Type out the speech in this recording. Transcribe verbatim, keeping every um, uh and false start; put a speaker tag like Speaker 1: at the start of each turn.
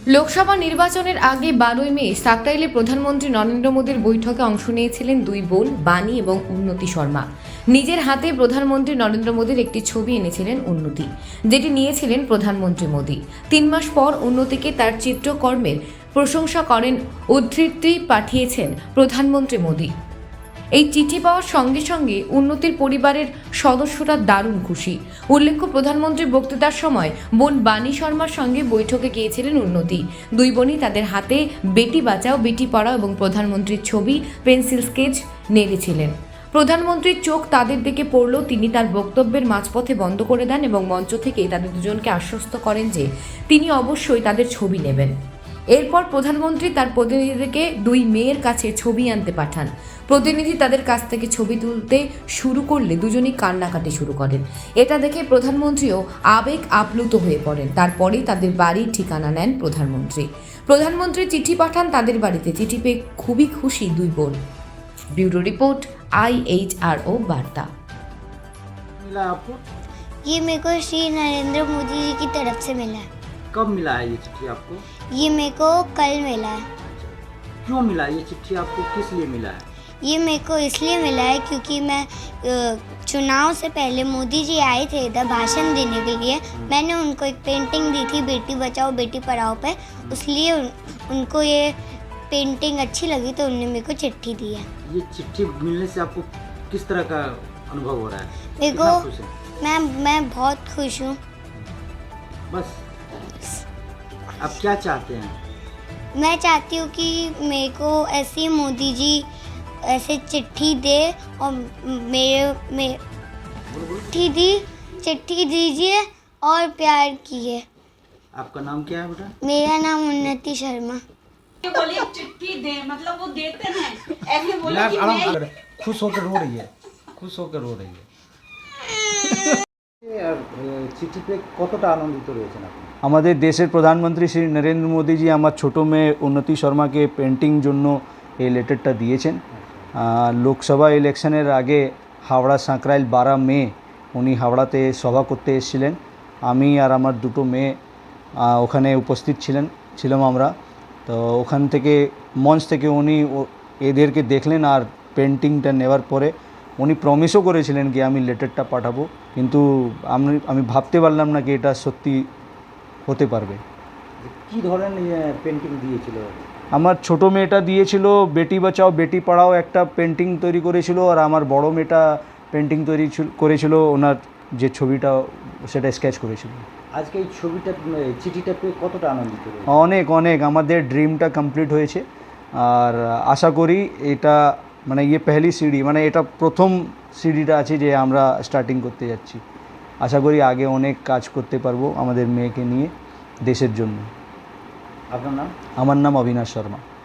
Speaker 1: লোকসভা নির্বাচনের আগে বারোই মে সাকরাইলে প্রধানমন্ত্রী নরেন্দ্র মোদীর বৈঠকে অংশ নিয়েছিলেন দুই বোন বাণী এবং উন্নতি শর্মা। নিজের হাতে প্রধানমন্ত্রী নরেন্দ্র মোদীর একটি ছবি এনেছিলেন উন্নতি, যেটি নিয়েছিলেন প্রধানমন্ত্রী মোদী। তিন মাস পর উন্নতিকে তার চিত্রকর্মের প্রশংসা করেন উদ্ধৃতি পাঠিয়েছেন প্রধানমন্ত্রী মোদী। এই চিঠি পাওয়ার সঙ্গে সঙ্গে উন্নতির পরিবারের সদস্যরা দারুণ খুশি। উল্লেখ্য, প্রধানমন্ত্রীর বক্তৃতার সময় বোন বাণী শর্মার সঙ্গে বৈঠকে গিয়েছিলেন উন্নতি। দুই বোনই তাদের হাতে বেটি বাঁচাও বেটি পড়াও এবং প্রধানমন্ত্রীর ছবি পেন্সিল স্কেচ নেড়েছিলেন। প্রধানমন্ত্রীর চোখ তাদের দিকে পড়লেও তিনি তার বক্তব্যের মাঝপথে বন্ধ করে দেন এবং মঞ্চ থেকে তাদের দুজনকে আশ্বস্ত করেন যে তিনি অবশ্যই তাদের ছবি নেবেন। এরপর প্রধানমন্ত্রী তার প্রতিনিধিদেরকে দুই মেয়ের কাছে ছবি আনতে পাঠান। প্রতিনিধি তাদের কাছ থেকে ছবি তুলতে শুরু করলে দুজনেই কান্নাকাটি শুরু করেন। এটা দেখে প্রধানমন্ত্রীও আবেগ আপ্লুত হয়ে পড়েন। তারপরেই তাদের বাড়ির ঠিকানা নেন প্রধানমন্ত্রী। প্রধানমন্ত্রী চিঠি পাঠান তাদের বাড়িতে। চিঠি পেয়ে খুবই খুশি দুই বোন। Bureau report I H R O वार्ता।
Speaker 2: मिला आपको?
Speaker 3: ये मेरे को श्री नरेंद्र मोदी जी की तरफ से मिला है।
Speaker 2: कब मिला है ये चिट्ठी आपको?
Speaker 3: ये मेरे को कल मिला है।
Speaker 2: क्यों मिला ये चिट्ठी आपको, किस लिए मिला है?
Speaker 3: ये मेरे को इसलिए मिला है क्योंकि मैं अ, चुनाव से पहले मोदी जी आए थे इधर भाषण देने के लिए। मैंने उनको एक पेंटिंग दी थी बेटी बचाओ बेटी पढ़ाओ पे, इसलिए उन, उनको ये पेंटिंग अच्छी लगी तो उन्होंने मेरे को चिट्ठी दी है।
Speaker 2: ये चिट्ठी मिलने से आपको किस तरह का अनुभव हो रहा है?
Speaker 3: मेरे
Speaker 2: कितना
Speaker 3: को
Speaker 2: खुश है?
Speaker 3: मैं मैं बहुत खुश हूँ।
Speaker 2: बस आप क्या चाहते हैं?
Speaker 3: मैं चाहती हूँ कि मेरे को ऐसे मोदी जी ऐसे चिट्ठी दे और मेरे में चिट्ठी दी चिट्ठी दीजिए और प्यार किए।
Speaker 2: आपका नाम क्या है बेटा?
Speaker 3: मेरा नाम उन्नति शर्मा।
Speaker 4: बोले चिट्ठी दे, मतलब वो देते हैं ऐसे बोले कि मैं
Speaker 2: खुश होकर रो रही है, खुश होकर रो रही है। চিঠি পেয়ে কতটা আনন্দিত রয়েছেন আপনি?
Speaker 5: আমাদের দেশের প্রধানমন্ত্রী শ্রী নরেন্দ্র মোদীজি আমার ছোটো মেয়ে উন্নতি শর্মাকে পেন্টিং জন্য এই লেটারটা দিয়েছেন। লোকসভা ইলেকশনের আগে হাওড়া সাঁকরাইল বারো মে উনি হাওড়াতে সভা করতে এসেছিলেন। আমি আর আমার দুটো মেয়ে ওখানে উপস্থিত ছিলেন ছিলাম আমরা। তো ওখান থেকে মঞ্চ থেকে উনি এদেরকে দেখলেন আর পেন্টিংটা নেওয়ার পরে উনি প্রমিসও করেছিলেন কি আমি লেটারটা পাঠাবো, কিন্তু আমি আমি ভাবতে পারলাম না কি এটা সত্যি হতে পারবে।
Speaker 2: কী ধরনের পেন্টিং দিয়েছিল?
Speaker 5: আমার ছোটো মেয়েটা দিয়েছিল বেটি বাঁচাও বেটি পড়াও একটা পেন্টিং তৈরি করেছিল, আর আমার বড় মেয়েটা পেন্টিং তৈরি করেছিল, ওনার যে ছবিটা সেটা স্কেচ করেছিল।
Speaker 2: আজকে এই ছবিটা চিঠিটা পেয়ে কতটা আনন্দিত?
Speaker 5: অনেক অনেক আমাদের ড্রিমটা কমপ্লিট হয়েছে। আর আশা করি এটা মানে ইয়ে পেহলি সিঁড়ি মানে এটা প্রথম সিঁড়িটা আছে যে আমরা স্টার্টিং করতে যাচ্ছি। আশা করি আগে অনেক কাজ করতে পারবো আমাদের মেয়েকে নিয়ে দেশের জন্য।
Speaker 2: আপনার নাম?
Speaker 5: আমার নাম অবিনাশ শর্মা।